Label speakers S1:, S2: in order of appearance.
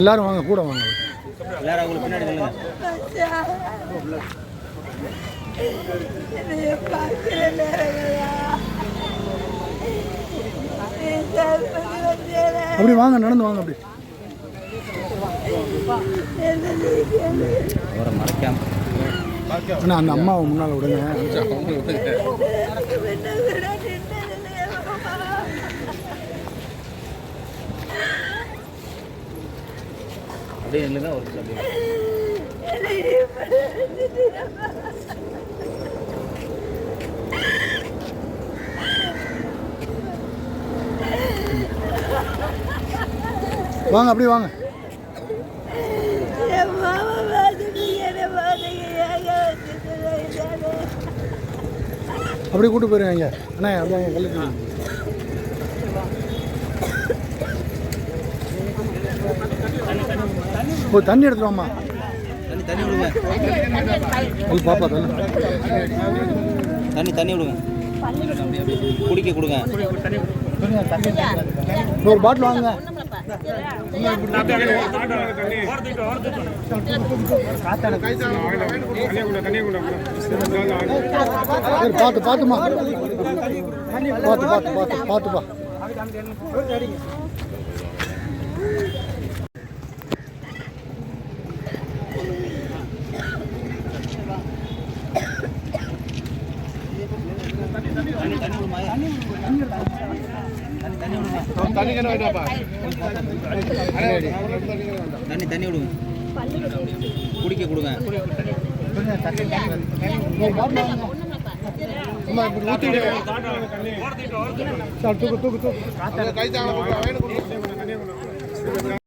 S1: எல்லாரும் வாங்க, கூட வாங்க.
S2: எல்லாரும் அவங்களுக்கு பின்னாடி நில்லுங்க.
S1: அப்படி வாங்க, நடந்து வாங்க. அப்படி
S2: அவரை மறைக்காம
S1: அண்ணா அந்த அம்மாவை முன்னால் விடுங்க.
S2: அப்படியே இல்லைங்க ஒரு
S1: வாங்க, அப்படி வாங்க. அப்படி கூட்டு போயிருங்க. அண்ணா அப்படியே கல்லுக்கு போய் தண்ணி எடுத்துருவாம்மா.
S2: தண்ணி விடுங்க.
S1: பாப்பா
S2: தண்ணி விடுங்க. குடிக்க கொடுங்க.
S1: ஒரு பாட்டில் வாங்க. பார்த்துமா பார்த்துப்பா.
S2: தண்ணி விடுங்க. குடிக்க கொடுங்க.
S1: தூக்கு